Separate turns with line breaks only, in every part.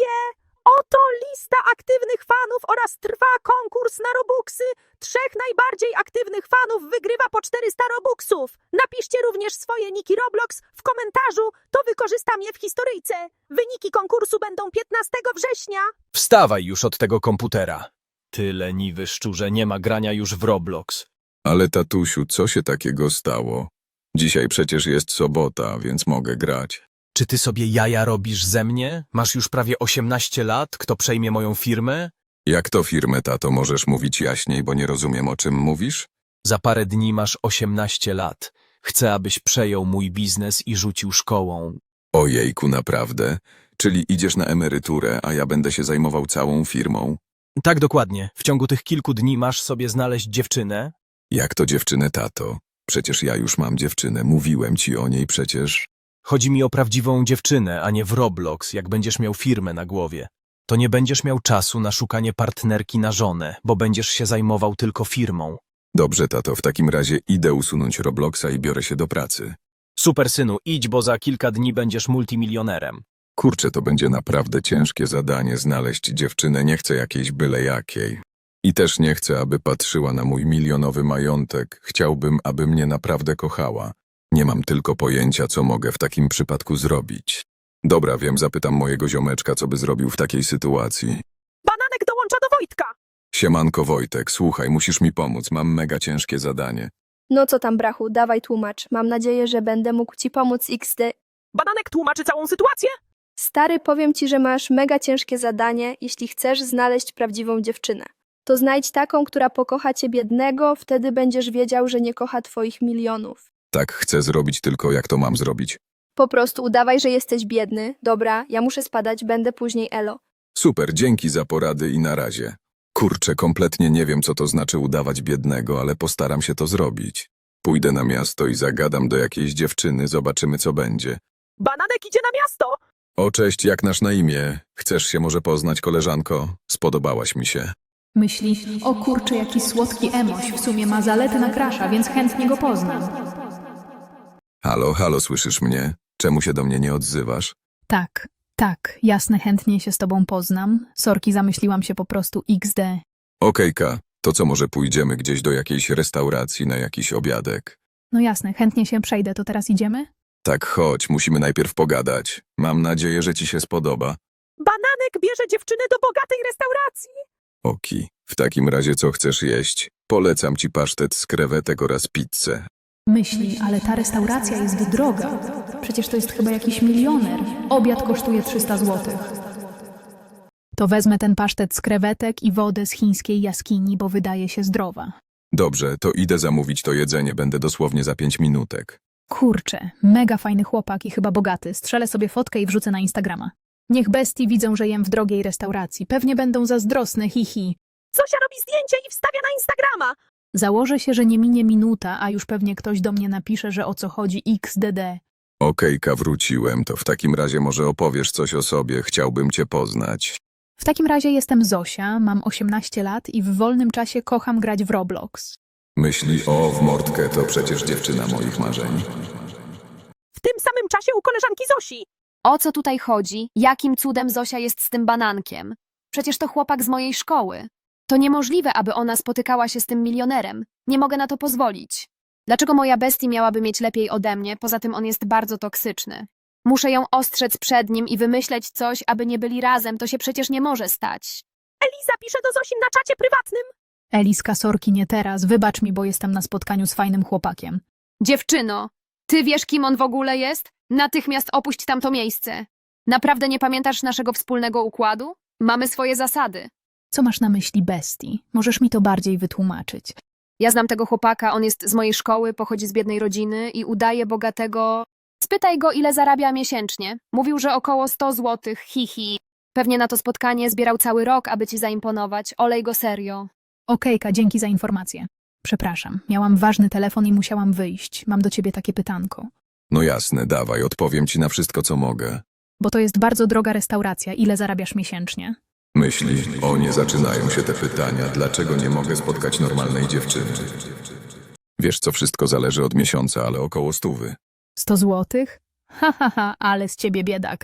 Oto lista aktywnych fanów oraz trwa konkurs na Robuxy. 3 najbardziej aktywnych fanów wygrywa po 400 Robuxów. Napiszcie również swoje niki Roblox w komentarzu, to wykorzystam je w historyjce. Wyniki konkursu będą 15 września.
Wstawaj już od tego komputera. Ty leniwy szczurze, nie ma grania już w Roblox.
Ale tatusiu, co się takiego stało? Dzisiaj przecież jest sobota, więc mogę grać.
Czy ty sobie jaja robisz ze mnie? Masz już prawie 18 lat, kto przejmie moją firmę?
Jak to firmę, tato, możesz mówić jaśniej, bo nie rozumiem, o czym mówisz?
Za parę dni masz 18 lat. Chcę, abyś przejął mój biznes i rzucił szkołą.
Ojejku, naprawdę? Czyli idziesz na emeryturę, a ja będę się zajmował całą firmą?
Tak, dokładnie. W ciągu tych kilku dni masz sobie znaleźć dziewczynę.
Jak to dziewczynę, tato? Przecież ja już mam dziewczynę, mówiłem ci o niej przecież.
Chodzi mi o prawdziwą dziewczynę, a nie w Roblox, jak będziesz miał firmę na głowie. To nie będziesz miał czasu na szukanie partnerki na żonę, bo będziesz się zajmował tylko firmą.
Dobrze, tato, w takim razie idę usunąć Robloxa i biorę się do pracy.
Super, synu, idź, bo za kilka dni będziesz multimilionerem.
Kurczę, to będzie naprawdę ciężkie zadanie znaleźć dziewczynę, nie chcę jakiejś byle jakiej. I też nie chcę, aby patrzyła na mój milionowy majątek. Chciałbym, aby mnie naprawdę kochała. Nie mam tylko pojęcia, co mogę w takim przypadku zrobić. Dobra, wiem, zapytam mojego ziomeczka, co by zrobił w takiej sytuacji.
Bananek dołącza do Wojtka.
Siemanko Wojtek, słuchaj, musisz mi pomóc, mam mega ciężkie zadanie.
No co tam, brachu, dawaj tłumacz. Mam nadzieję, że będę mógł ci pomóc XD.
Bananek tłumaczy całą sytuację.
Stary, powiem ci, że masz mega ciężkie zadanie, jeśli chcesz znaleźć prawdziwą dziewczynę. To znajdź taką, która pokocha cię biednego, wtedy będziesz wiedział, że nie kocha twoich milionów.
Tak chcę zrobić, tylko jak to mam zrobić?
Po prostu udawaj, że jesteś biedny. Dobra, ja muszę spadać, będę później elo.
Super, dzięki za porady i na razie. Kurczę, kompletnie nie wiem, co to znaczy udawać biednego, ale postaram się to zrobić. Pójdę na miasto i zagadam do jakiejś dziewczyny, zobaczymy, co będzie.
Bananek idzie na miasto.
O, cześć, jak nasz na imię? Chcesz się może poznać, koleżanko? Spodobałaś mi się.
Myśli, o kurczę, jaki słodki emoś, w sumie ma zaletę na krasza, więc chętnie go poznam.
Halo, halo, słyszysz mnie? Czemu się do mnie nie odzywasz?
Tak, jasne, chętnie się z tobą poznam. Sorki, zamyśliłam się po prostu XD.
Okejka, to co, może pójdziemy gdzieś do jakiejś restauracji na jakiś obiadek?
No jasne, chętnie się przejdę, to teraz idziemy?
Tak, chodź, musimy najpierw pogadać. Mam nadzieję, że ci się spodoba.
Bananek bierze dziewczynę do bogatej restauracji.
Oki, w takim razie co chcesz jeść? Polecam ci pasztet z krewetek oraz pizzę.
Myśli, ale ta restauracja jest droga. Przecież to jest chyba jakiś milioner. Obiad kosztuje 300 zł. To wezmę ten pasztet z krewetek i wodę z chińskiej jaskini, bo wydaje się zdrowa.
Dobrze, to idę zamówić to jedzenie, będę dosłownie za 5 minutek.
Kurczę, mega fajny chłopak i chyba bogaty. Strzelę sobie fotkę i wrzucę na Instagrama. Niech bestii widzą, że jem w drogiej restauracji. Pewnie będą zazdrosne, hihi.
Zosia robi zdjęcie i wstawia na Instagrama.
Założę się, że nie minie minuta, a już pewnie ktoś do mnie napisze, że o co chodzi XDD.
Okejka, wróciłem, to w takim razie może opowiesz coś o sobie, chciałbym cię poznać.
W takim razie jestem Zosia, mam 18 lat i w wolnym czasie kocham grać w Roblox.
Myśli, o, w mordkę, to przecież dziewczyna moich marzeń.
W tym samym czasie u koleżanki Zosi.
O co tutaj chodzi? Jakim cudem Zosia jest z tym banankiem? Przecież to chłopak z mojej szkoły. To niemożliwe, aby ona spotykała się z tym milionerem. Nie mogę na to pozwolić. Dlaczego moja bestii miałaby mieć lepiej ode mnie? Poza tym on jest bardzo toksyczny. Muszę ją ostrzec przed nim i wymyśleć coś, aby nie byli razem. To się przecież nie może stać.
Eliza pisze do Zosi na czacie prywatnym.
Eliska, sorki, nie teraz, wybacz mi, bo jestem na spotkaniu z fajnym chłopakiem.
Dziewczyno, ty wiesz, kim on w ogóle jest? Natychmiast opuść tamto miejsce. Naprawdę nie pamiętasz naszego wspólnego układu? Mamy swoje zasady.
Co masz na myśli, bestii? Możesz mi to bardziej wytłumaczyć.
Ja znam tego chłopaka, on jest z mojej szkoły, pochodzi z biednej rodziny i udaje bogatego. Spytaj go, ile zarabia miesięcznie. Mówił, że około 100 złotych, hihi. Pewnie na to spotkanie zbierał cały rok, aby ci zaimponować. Olej go serio.
Okejka, dzięki za informację. Przepraszam, miałam ważny telefon i musiałam wyjść. Mam do ciebie takie pytanko.
No jasne, dawaj, odpowiem ci na wszystko, co mogę.
Bo to jest bardzo droga restauracja. Ile zarabiasz miesięcznie?
Myśli, o nie zaczynają się te pytania, dlaczego nie mogę spotkać normalnej dziewczyny? Wiesz co, wszystko zależy od miesiąca, ale około 100.
100 złotych? Ha, ale z ciebie biedak.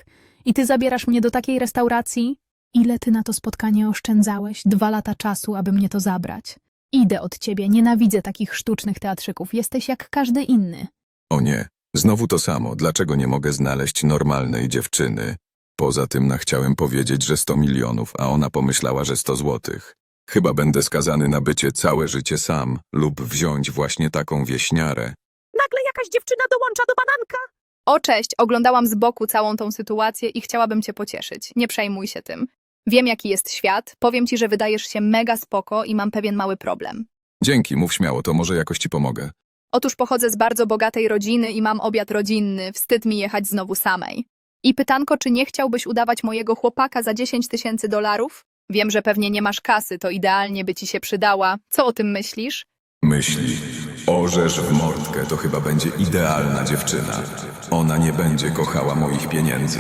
I ty zabierasz mnie do takiej restauracji? Ile ty na to spotkanie oszczędzałeś? 2 lata czasu, aby mnie to zabrać. Idę od ciebie, nienawidzę takich sztucznych teatrzyków. Jesteś jak każdy inny.
O nie, znowu to samo. Dlaczego nie mogę znaleźć normalnej dziewczyny? Poza tym chciałem powiedzieć, że 100 milionów, a ona pomyślała, że 100 złotych. Chyba będę skazany na bycie całe życie sam lub wziąć właśnie taką wieśniarę.
Nagle jakaś dziewczyna dołącza do bananka.
O, cześć, oglądałam z boku całą tą sytuację i chciałabym cię pocieszyć. Nie przejmuj się tym. Wiem, jaki jest świat, powiem ci, że wydajesz się mega spoko i mam pewien mały problem.
Dzięki, mów śmiało, to może jakoś ci pomogę.
Otóż pochodzę z bardzo bogatej rodziny i mam obiad rodzinny, wstyd mi jechać znowu samej. I pytanko, czy nie chciałbyś udawać mojego chłopaka za 10 000 dolarów? Wiem, że pewnie nie masz kasy, to idealnie by ci się przydała. Co o tym myślisz?
Myśli, orzesz w mordkę, to chyba będzie idealna dziewczyna. Ona nie będzie kochała moich pieniędzy.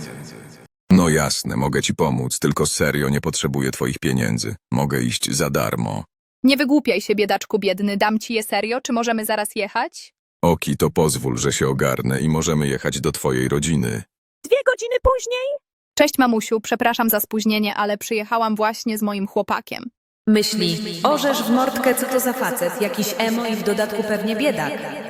No jasne, mogę ci pomóc, tylko serio nie potrzebuję twoich pieniędzy. Mogę iść za darmo.
Nie wygłupiaj się, biedaczku biedny, dam ci je serio, czy możemy zaraz jechać?
Oki, to pozwól, że się ogarnę i możemy jechać do twojej rodziny.
2 godziny później.
Cześć mamusiu, przepraszam za spóźnienie, ale przyjechałam właśnie z moim chłopakiem.
Myśli, orzesz w mordkę, co to za facet, jakiś emo i w dodatku pewnie biedak.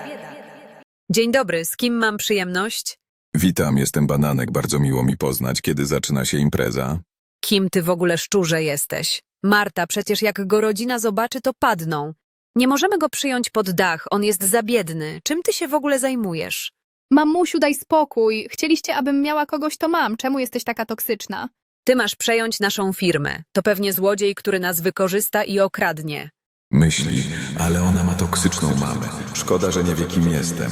Dzień dobry, z kim mam przyjemność?
Witam, jestem Bananek, bardzo miło mi poznać, kiedy zaczyna się impreza.
Kim ty w ogóle szczurze jesteś? Marta, przecież jak go rodzina zobaczy, to padną. Nie możemy go przyjąć pod dach, on jest za biedny. Czym ty się w ogóle zajmujesz?
Mamusiu, daj spokój. Chcieliście, abym miała kogoś, to mam. Czemu jesteś taka toksyczna?
Ty masz przejąć naszą firmę. To pewnie złodziej, który nas wykorzysta i okradnie.
Myśli, ale ona ma toksyczną mamę. Szkoda, że nie wie, kim jestem.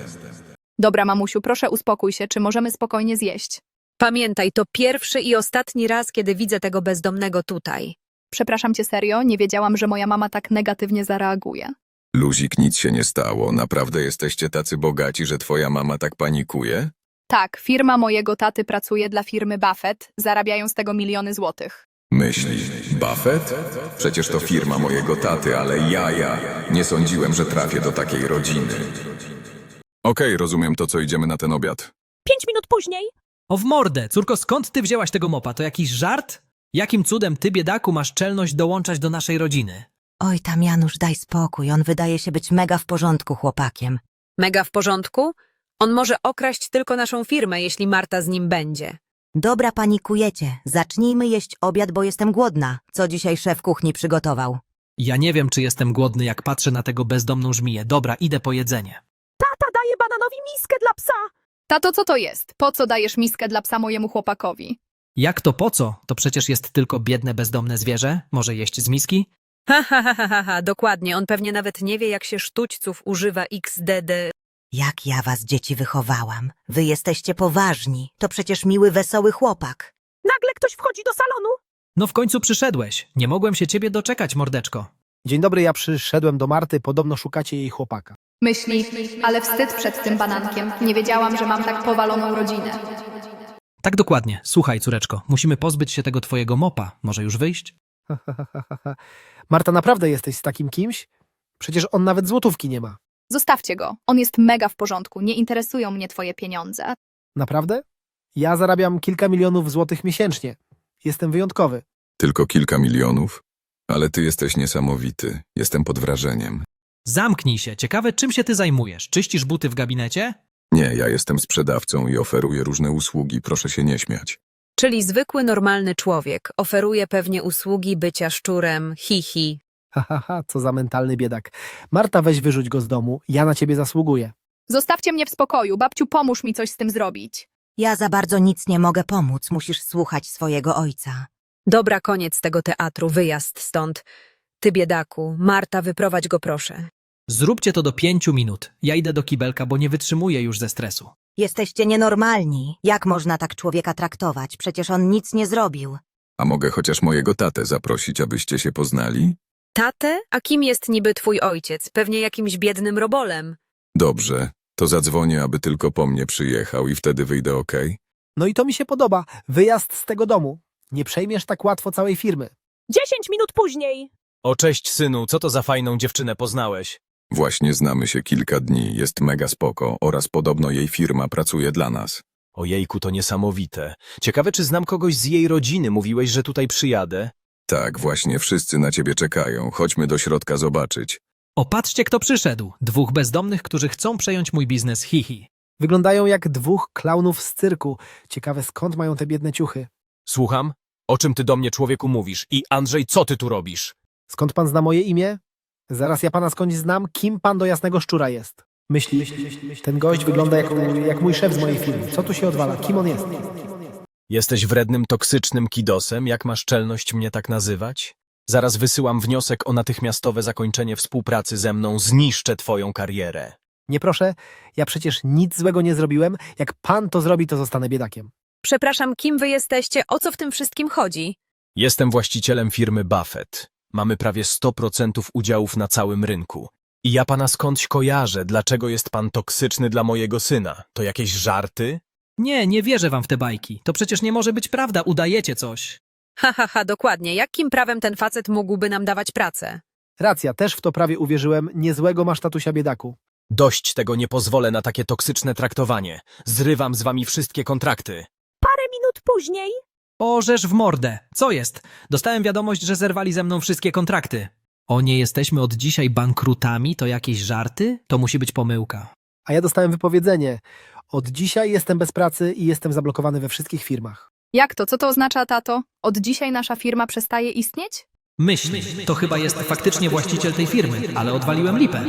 Dobra, mamusiu, proszę uspokój się. Czy możemy spokojnie zjeść?
Pamiętaj, to pierwszy i ostatni raz, kiedy widzę tego bezdomnego tutaj.
Przepraszam cię serio, nie wiedziałam, że moja mama tak negatywnie zareaguje.
Luzik, nic się nie stało. Naprawdę jesteście tacy bogaci, że twoja mama tak panikuje?
Tak, firma mojego taty pracuje dla firmy Buffett, zarabiają z tego miliony złotych.
Myśli, Buffett? Przecież to firma mojego taty, ale ja nie sądziłem, że trafię do takiej rodziny. Okej, rozumiem to, co idziemy na ten obiad.
5 minut później.
O w mordę, córko, skąd ty wzięłaś tego mopa? To jakiś żart? Jakim cudem ty, biedaku, masz czelność dołączać do naszej rodziny?
Oj tam, Janusz, daj spokój, on wydaje się być mega w porządku chłopakiem.
Mega w porządku? On może okraść tylko naszą firmę, jeśli Marta z nim będzie.
Dobra, panikujecie, zacznijmy jeść obiad, bo jestem głodna. Co dzisiaj szef kuchni przygotował?
Ja nie wiem, czy jestem głodny, jak patrzę na tego bezdomną żmiję. Dobra, idę po jedzenie.
Tata daje bananowi miskę dla psa.
Tato, co to jest? Po co dajesz miskę dla psa mojemu chłopakowi?
Jak to po co? To przecież jest tylko biedne, bezdomne zwierzę. Może jeść z miski?
Ha, dokładnie. On pewnie nawet nie wie, jak się sztućców używa XDD.
Jak ja was, dzieci, wychowałam. Wy jesteście poważni, to przecież miły, wesoły chłopak.
Nagle ktoś wchodzi do salonu.
No w końcu przyszedłeś. Nie mogłem się ciebie doczekać, mordeczko.
Dzień dobry, ja przyszedłem do Marty, podobno szukacie jej chłopaka.
Myśli, ale wstyd przed tym banankiem. Nie wiedziałam, że mam tak powaloną rodzinę.
Tak dokładnie. Słuchaj, córeczko, musimy pozbyć się tego twojego mopa. Może już wyjść?
Marta, naprawdę jesteś z takim kimś? Przecież on nawet złotówki nie ma.
Zostawcie go. On jest mega w porządku. Nie interesują mnie twoje pieniądze.
Naprawdę? Ja zarabiam kilka milionów złotych miesięcznie. Jestem wyjątkowy.
Tylko kilka milionów? Ale ty jesteś niesamowity. Jestem pod wrażeniem.
Zamknij się. Ciekawe, czym się ty zajmujesz? Czyścisz buty w gabinecie?
Nie, ja jestem sprzedawcą i oferuję różne usługi, proszę się nie śmiać.
Czyli zwykły, normalny człowiek. Oferuje pewnie usługi bycia szczurem, hi.
Co za mentalny biedak. Marta, weź wyrzuć go z domu, ja na ciebie zasługuję.
Zostawcie mnie w spokoju. Babciu, pomóż mi coś z tym zrobić.
Ja za bardzo nic nie mogę pomóc, musisz słuchać swojego ojca.
Dobra, koniec tego teatru, wyjazd stąd. Ty, biedaku, Marta, wyprowadź go proszę.
Zróbcie to do 5 minut. Ja idę do kibelka, bo nie wytrzymuję już ze stresu.
Jesteście nienormalni. Jak można tak człowieka traktować? Przecież on nic nie zrobił.
A mogę chociaż mojego tatę zaprosić, abyście się poznali?
Tatę? A kim jest niby twój ojciec? Pewnie jakimś biednym robolem.
Dobrze, to zadzwonię, aby tylko po mnie przyjechał i wtedy wyjdę, okej?
No i to mi się podoba. Wyjazd z tego domu. Nie przejmiesz tak łatwo całej firmy.
10 minut później.
O cześć, synu, co to za fajną dziewczynę poznałeś?
Właśnie znamy się kilka dni, jest mega spoko oraz podobno jej firma pracuje dla nas.
Ojejku, to niesamowite. Ciekawe, czy znam kogoś z jej rodziny. Mówiłeś, że tutaj przyjadę?
Tak, właśnie wszyscy na ciebie czekają. Chodźmy do środka zobaczyć.
O, patrzcie, kto przyszedł. 2 bezdomnych, którzy chcą przejąć mój biznes, hihi.
Wyglądają jak 2 klaunów z cyrku. Ciekawe, skąd mają te biedne ciuchy.
Słucham? O czym ty do mnie, człowieku, mówisz? I Andrzej, co ty tu robisz?
Skąd pan zna moje imię? Zaraz ja pana skądś znam, kim pan do jasnego szczura jest. Myśli, ten gość wygląda jak mój szef z mojej firmy. Co tu się odwala? Kim on jest?
Jesteś wrednym, toksycznym kidosem? Jak masz czelność mnie tak nazywać? Zaraz wysyłam wniosek o natychmiastowe zakończenie współpracy ze mną. Zniszczę twoją karierę.
Nie proszę, ja przecież nic złego nie zrobiłem. Jak pan to zrobi, to zostanę biedakiem.
Przepraszam, kim wy jesteście? O co w tym wszystkim chodzi?
Jestem właścicielem firmy Buffett. Mamy prawie 100% udziałów na całym rynku. I ja pana skądś kojarzę. Dlaczego jest pan toksyczny dla mojego syna? To jakieś żarty?
Nie, nie wierzę wam w te bajki. To przecież nie może być prawda, udajecie coś.
Dokładnie. Jakim prawem ten facet mógłby nam dawać pracę?
Racja, też w to prawie uwierzyłem. Niezłego masz tatusia biedaku.
Dość tego, nie pozwolę na takie toksyczne traktowanie. Zrywam z wami wszystkie kontrakty.
Parę minut później
Orzesz w mordę. Co jest? Dostałem wiadomość, że zerwali ze mną wszystkie kontrakty. O, nie jesteśmy od dzisiaj bankrutami? To jakieś żarty? To musi być pomyłka.
A ja dostałem wypowiedzenie. Od dzisiaj jestem bez pracy i jestem zablokowany we wszystkich firmach.
Jak to? Co to oznacza, tato? Od dzisiaj nasza firma przestaje istnieć?
Myśli, to chyba jest faktycznie właściciel tej firmy, ale odwaliłem lipę.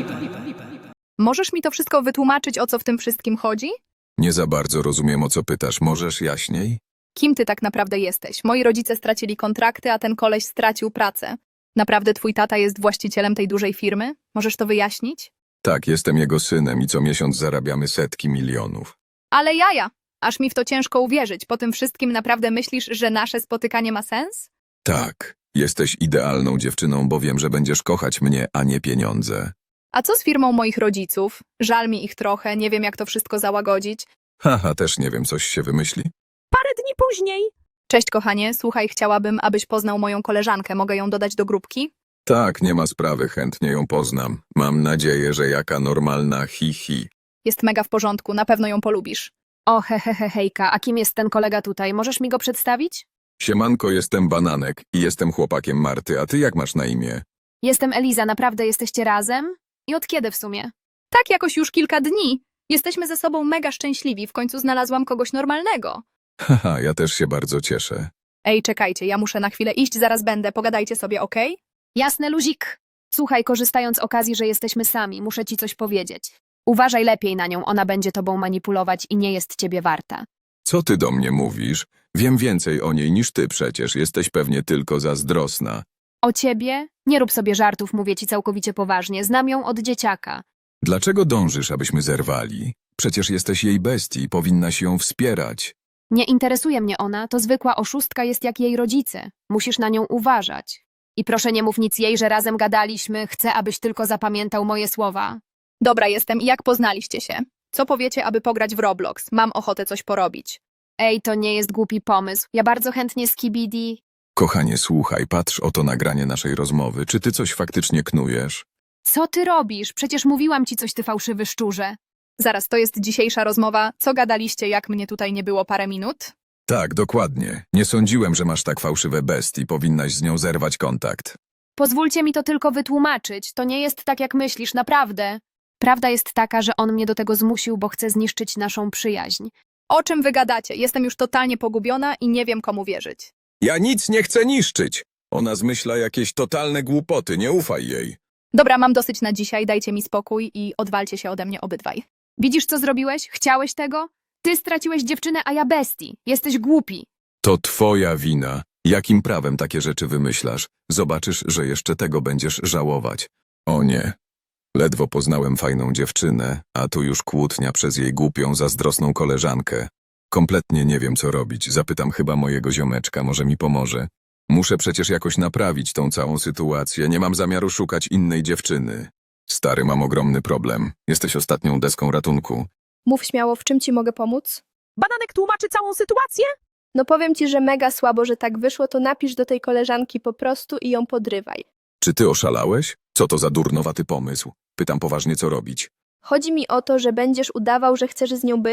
Możesz mi to wszystko wytłumaczyć, o co w tym wszystkim chodzi?
Nie za bardzo rozumiem, o co pytasz. Możesz jaśniej?
Kim ty tak naprawdę jesteś? Moi rodzice stracili kontrakty, a ten koleś stracił pracę. Naprawdę twój tata jest właścicielem tej dużej firmy? Możesz to wyjaśnić?
Tak, jestem jego synem i co miesiąc zarabiamy setki milionów.
Ale jaja! Aż mi w to ciężko uwierzyć. Po tym wszystkim naprawdę myślisz, że nasze spotykanie ma sens?
Tak, jesteś idealną dziewczyną, bo wiem, że będziesz kochać mnie, a nie pieniądze.
A co z firmą moich rodziców? Żal mi ich trochę, nie wiem jak to wszystko załagodzić.
Haha, też nie wiem, coś się wymyśli?
parę dni później
Cześć kochanie, słuchaj, chciałabym, abyś poznał moją koleżankę. Mogę ją dodać do grupki?
Tak, nie ma sprawy, chętnie ją poznam. Mam nadzieję, że jaka normalna hi.
Jest mega w porządku, na pewno ją polubisz.
O, hejka, a kim jest ten kolega tutaj? Możesz mi go przedstawić?
Siemanko, jestem Bananek i jestem chłopakiem Marty, a ty jak masz na imię?
Jestem Eliza, naprawdę jesteście razem? I od kiedy w sumie?
Tak jakoś już kilka dni. Jesteśmy ze sobą mega szczęśliwi, w końcu znalazłam kogoś normalnego.
Haha, ja też się bardzo cieszę.
Ej, czekajcie, ja muszę na chwilę iść, zaraz będę, pogadajcie sobie, okej?
Jasne, luzik. Słuchaj, korzystając z okazji, że jesteśmy sami, muszę ci coś powiedzieć. Uważaj lepiej na nią, ona będzie tobą manipulować i nie jest ciebie warta.
Co ty do mnie mówisz? Wiem więcej o niej niż ty przecież, jesteś pewnie tylko zazdrosna.
O ciebie? Nie rób sobie żartów, mówię ci całkowicie poważnie. Znam ją od dzieciaka.
Dlaczego dążysz, abyśmy zerwali? Przecież jesteś jej bestii, powinnaś ją wspierać.
Nie interesuje mnie ona, to zwykła oszustka jest jak jej rodzice. Musisz na nią uważać. I proszę nie mów nic jej, że razem gadaliśmy, chcę, abyś tylko zapamiętał moje słowa.
Dobra, jestem. I jak poznaliście się? Co powiecie, aby pograć w Roblox? Mam ochotę coś porobić.
Ej, to nie jest głupi pomysł. Ja bardzo chętnie z Kibidi.
Kochanie, słuchaj, patrz oto nagranie naszej rozmowy. Czy ty coś faktycznie knujesz?
Co ty robisz? Przecież mówiłam ci coś, ty fałszywy szczurze.
Zaraz, to jest dzisiejsza rozmowa. Co gadaliście, jak mnie tutaj nie było parę minut?
Tak, dokładnie. Nie sądziłem, że masz tak fałszywe bestii, powinnaś z nią zerwać kontakt.
Pozwólcie mi to tylko wytłumaczyć. To nie jest tak, jak myślisz, naprawdę. Prawda jest taka, że on mnie do tego zmusił, bo chce zniszczyć naszą przyjaźń.
O czym wy gadacie? Jestem już totalnie pogubiona i nie wiem, komu wierzyć.
Ja nic nie chcę niszczyć. Ona zmyśla jakieś totalne głupoty, nie ufaj jej.
Dobra, mam dosyć na dzisiaj, dajcie mi spokój i odwalcie się ode mnie obydwaj.
Widzisz, co zrobiłeś? Chciałeś tego? Ty straciłeś dziewczynę, a ja bestii. Jesteś głupi.
To twoja wina. Jakim prawem takie rzeczy wymyślasz? Zobaczysz, że jeszcze tego będziesz żałować. O nie. Ledwo poznałem fajną dziewczynę, a tu już kłótnia przez jej głupią, zazdrosną koleżankę. Kompletnie nie wiem, co robić. Zapytam chyba mojego ziomeczka, może mi pomoże. Muszę przecież jakoś naprawić tą całą sytuację. Nie mam zamiaru szukać innej dziewczyny. Stary, mam ogromny problem. Jesteś ostatnią deską ratunku.
Mów śmiało, w czym ci mogę pomóc?
Bananek tłumaczy całą sytuację.
No powiem ci, że mega słabo, że tak wyszło, to napisz do tej koleżanki po prostu i ją podrywaj.
Czy ty oszalałeś? Co to za durnowaty pomysł? Pytam poważnie, co robić.
Chodzi mi o to, że będziesz udawał, że chcesz z nią być,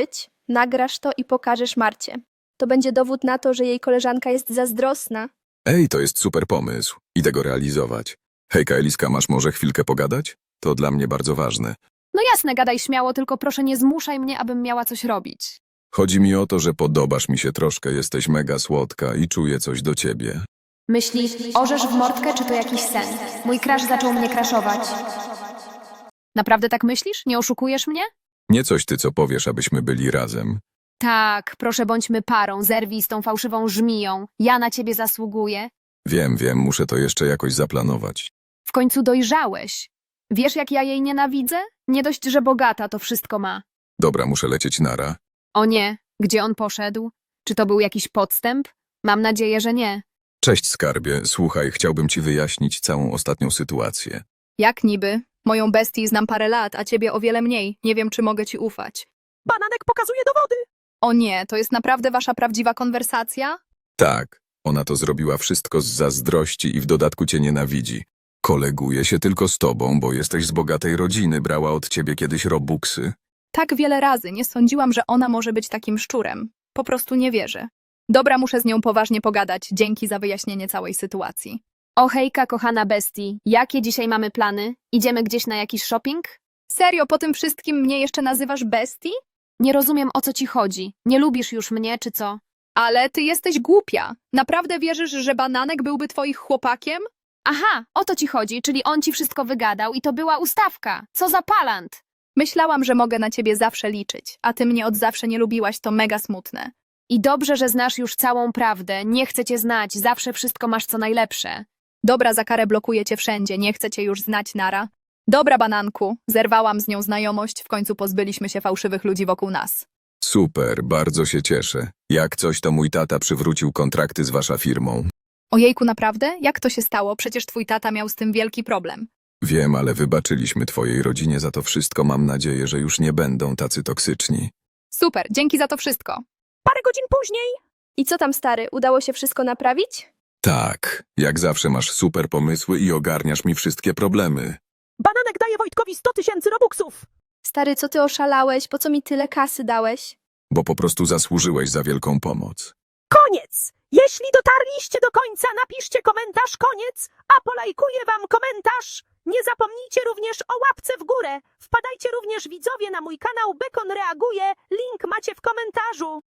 Nagrasz to i pokażesz Marcie. To będzie dowód na to, że jej koleżanka jest zazdrosna.
Ej, to jest super pomysł. Idę go realizować. Hejka, Eliska, masz może chwilkę pogadać? To dla mnie bardzo ważne.
No jasne, gadaj śmiało, tylko proszę nie zmuszaj mnie, abym miała coś robić.
Chodzi mi o to, że podobasz mi się troszkę, jesteś mega słodka i czuję coś do ciebie.
Myślisz, orzesz w mordkę, czy to jakiś sen? Mój crush zaczął mnie crashować. Naprawdę tak myślisz? Nie oszukujesz mnie?
Nie coś ty, co powiesz, abyśmy byli razem.
Tak, proszę bądźmy parą, zerwij z tą fałszywą żmiją. Ja na ciebie zasługuję.
Wiem, muszę to jeszcze jakoś zaplanować.
W końcu dojrzałeś. Wiesz, jak ja jej nienawidzę? Nie dość, że bogata to wszystko ma.
Dobra, muszę lecieć nara.
O nie, gdzie on poszedł? Czy to był jakiś podstęp? Mam nadzieję, że nie.
Cześć, skarbie. Słuchaj, chciałbym ci wyjaśnić całą ostatnią sytuację.
Jak niby? Moją bestię znam parę lat, a ciebie o wiele mniej. Nie wiem, czy mogę ci ufać.
Bananek pokazuje dowody.
O nie, to jest naprawdę wasza prawdziwa konwersacja?
Tak, ona to zrobiła wszystko z zazdrości i w dodatku cię nienawidzi. Koleguje się tylko z tobą, bo jesteś z bogatej rodziny, brała od ciebie kiedyś robuxy.
Tak wiele razy nie sądziłam, że ona może być takim szczurem. Po prostu nie wierzę. Dobra, muszę z nią poważnie pogadać. Dzięki za wyjaśnienie całej sytuacji.
O hejka, kochana bestii. Jakie dzisiaj mamy plany? Idziemy gdzieś na jakiś shopping?
Serio, po tym wszystkim mnie jeszcze nazywasz bestii?
Nie rozumiem, o co ci chodzi. Nie lubisz już mnie, czy co?
Ale ty jesteś głupia. Naprawdę wierzysz, że Bananek byłby twoim chłopakiem?
Aha, o to ci chodzi, czyli on ci wszystko wygadał i to była ustawka. Co za palant!
Myślałam, że mogę na ciebie zawsze liczyć, a ty mnie od zawsze nie lubiłaś, to mega smutne.
I dobrze, że znasz już całą prawdę. Nie chcę cię znać, zawsze wszystko masz co najlepsze.
Dobra, za karę blokuję cię wszędzie, nie chcę cię już znać, nara. Dobra, Bananku, zerwałam z nią znajomość, w końcu pozbyliśmy się fałszywych ludzi wokół nas.
Super, bardzo się cieszę. Jak coś, to mój tata przywrócił kontrakty z wasza firmą.
Ojejku, naprawdę? Jak to się stało? Przecież twój tata miał z tym wielki problem.
Wiem, ale wybaczyliśmy twojej rodzinie za to wszystko. Mam nadzieję, że już nie będą tacy toksyczni.
Super, dzięki za to wszystko.
Parę godzin później.
I co tam, stary? Udało się wszystko naprawić?
Tak, jak zawsze masz super pomysły i ogarniasz mi wszystkie problemy.
Bananek daje Wojtkowi 100 000 robuxów.
Stary, co ty oszalałeś? Po co mi tyle kasy dałeś?
Bo po prostu zasłużyłeś za wielką pomoc.
Koniec! Jeśli dotarliście do końca, napiszcie komentarz koniec, a polajkuję wam komentarz. Nie zapomnijcie również o łapce w górę. Wpadajcie również widzowie na mój kanał Bekon Reaguje, link macie w komentarzu.